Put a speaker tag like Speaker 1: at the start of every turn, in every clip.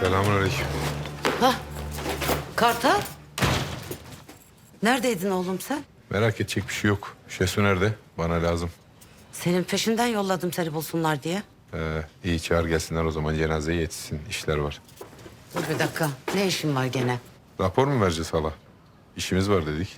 Speaker 1: Selamünaleyküm.
Speaker 2: Hah, Kartal. Neredeydin oğlum sen?
Speaker 1: Merak edecek bir şey yok. Şesu nerede? Bana lazım.
Speaker 2: Senin peşinden yolladım seni bulsunlar diye.
Speaker 1: İyi çağır gelsinler o zaman, cenazeye yetişsin. İşler var.
Speaker 2: Dur bir dakika. Ne işin var gene?
Speaker 1: Rapor mu vereceğiz hala? İşimiz var dedik.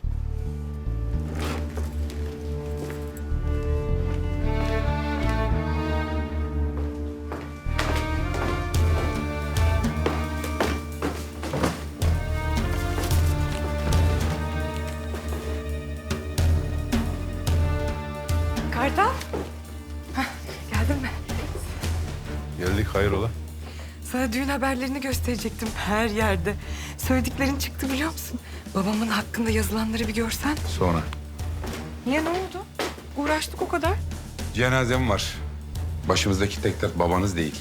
Speaker 3: Kartal. Geldin mi?
Speaker 1: Geldik, hayrola?
Speaker 3: Sana düğün haberlerini gösterecektim her yerde. Söylediklerin çıktı biliyor musun? Babamın hakkında yazılanları bir görsen.
Speaker 1: Sonra.
Speaker 3: Niye, ne oldu? Uğraştık o kadar.
Speaker 1: Cenazem var. Başımızdaki tek dert babanız değil.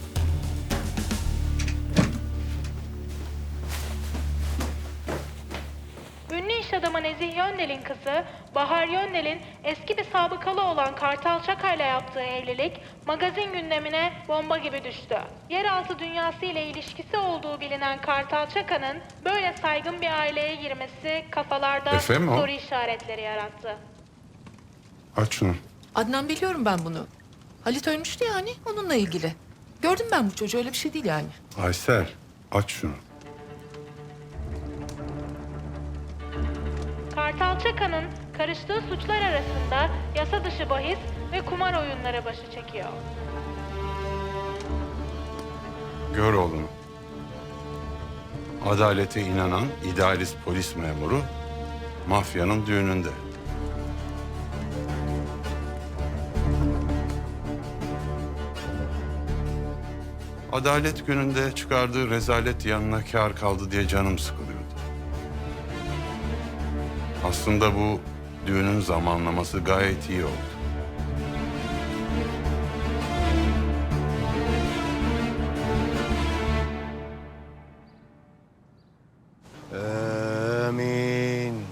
Speaker 4: Ünlü iş adamı Nezih Yöndel'in kızı Bahar Yöndel'in eski bir sabıkalı olan Kartal Çaka'yla yaptığı evlilik magazin gündemine bomba gibi düştü. Yeraltı dünyası ile ilişkisi olduğu bilinen Kartal Çaka'nın böyle saygın bir aileye girmesi kafalarda
Speaker 1: Efendim o?
Speaker 4: soru işaretleri yarattı.
Speaker 1: Aç şunu.
Speaker 5: Adnan, biliyorum ben bunu. Halit ölmüştü yani, onunla ilgili. Gördüm ben bu çocuğu, öyle bir şey değil yani.
Speaker 1: Aysel, aç şunu.
Speaker 4: Kartal Çaka'nın karıştığı suçlar arasında yasa dışı bahis ve kumar oyunları başı çekiyor.
Speaker 6: Gör oğlum. Adalete inanan idealist polis memuru mafyanın düğününde. Adalet gününde çıkardığı rezalet yanına kâr kaldı diye canım sıkılıyordu. Aslında bu düğünün zamanlaması gayet iyi oldu.
Speaker 7: Amin.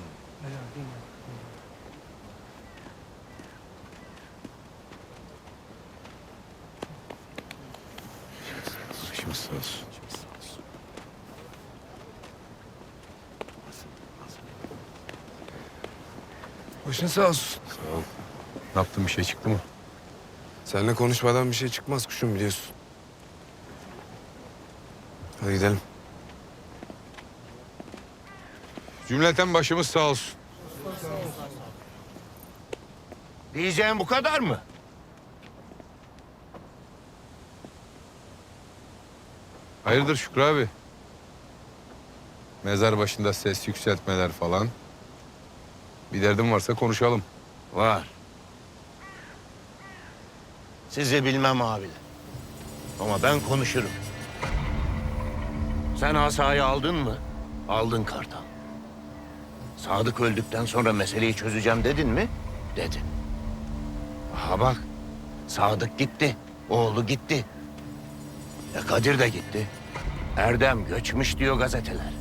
Speaker 6: Başımız sağ olsun.
Speaker 7: Başın sağ olsun.
Speaker 1: Ne yaptın, bir şey çıktı mı?
Speaker 7: Seninle konuşmadan bir şey çıkmaz kuşum, biliyorsun. Hadi gidelim.
Speaker 1: Cümleten başımız sağ olsun.
Speaker 7: Diyeceğim bu kadar mı?
Speaker 1: Hayırdır Şükrü abi? Mezar başında ses yükseltmeler falan. Bir derdin varsa konuşalım.
Speaker 7: Var. Sizi bilmem abiler. Ama ben konuşurum. Sen asayı aldın mı? Aldın Kartal. Sadık öldükten sonra meseleyi çözeceğim dedin mi? Dedin. Aha bak. Sadık gitti. Oğlu gitti. Kadir de gitti. Erdem göçmüş diyor gazeteler.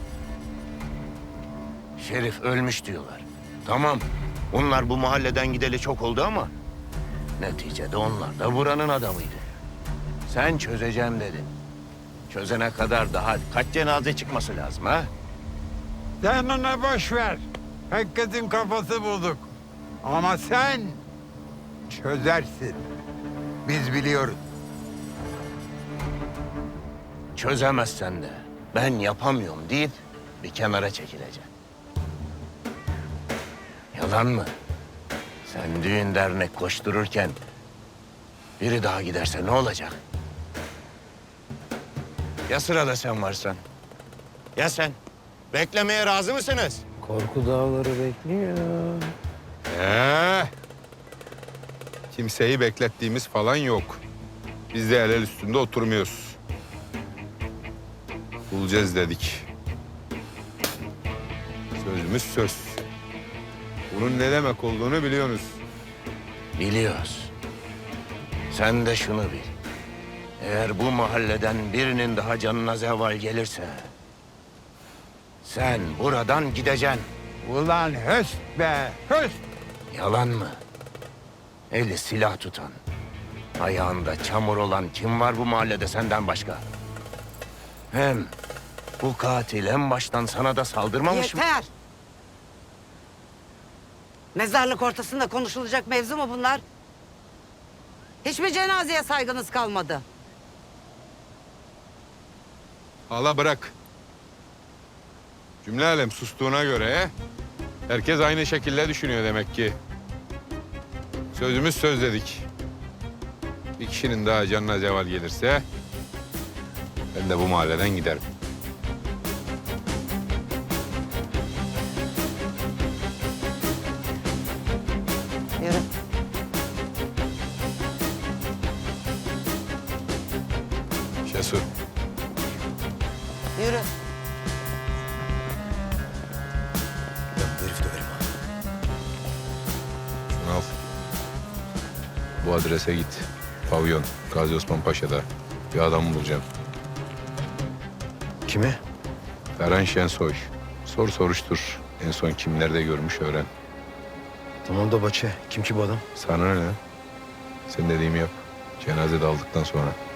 Speaker 7: Şerif ölmüş diyorlar. Tamam. Onlar bu mahalleden gideli çok oldu ama neticede onlar da buranın adamıydı. Sen çözeceğim dedin. Çözene kadar daha kaç cenaze çıkması lazım ha?
Speaker 8: Sen ona boş ver. Herkesin kafası bozuk. Ama sen çözersin. Biz biliyoruz.
Speaker 7: Çözemezsen de ben yapamıyorum deyip bir kenara çekileceksin. Yalan mı? Sen düğün dernek koştururken biri daha giderse ne olacak? Ya sırada sen varsan? Ya sen? Beklemeye razı mısınız?
Speaker 9: Korku dağları bekliyor.
Speaker 1: Kimseyi beklettiğimiz falan yok. Biz de el el üstünde oturmuyoruz. Bulacağız dedik. Sözümüz söz. Bunun ne demek olduğunu biliyorsunuz.
Speaker 7: Biliyoruz. Sen de şunu bil. Eğer bu mahalleden birinin daha canına zeval gelirse sen buradan gideceksin.
Speaker 8: Ulan höst be, höst.
Speaker 7: Yalan mı? Eli silah tutan, ayağında çamur olan kim var bu mahallede senden başka? Hem bu katil en baştan sana da saldırmamış mı?
Speaker 2: Yeter! Mezarlık ortasında konuşulacak mevzu mu bunlar? Hiçbir cenazeye saygınız kalmadı.
Speaker 1: Hala bırak. Cümle alem sustuğuna göre herkes aynı şekilde düşünüyor demek ki. Sözümüz söz dedik. Bir kişinin daha canına zeval gelirse ben de bu mahalleden giderim.
Speaker 2: Yürü.
Speaker 1: Şesu.
Speaker 2: Yürü.
Speaker 1: Şunu al. Bu adrese git. Pavyon, Gazi Osman Paşa'da. Bir adam bulacağım.
Speaker 9: Kimi?
Speaker 1: Ferhan Şensoy. Sor soruştur. En son kim nerede görmüş öğren.
Speaker 9: Tamam da Bahçe. Kim ki bu adam?
Speaker 1: Sana ne? Sen dediğimi yap. Cenaze de aldıktan sonra.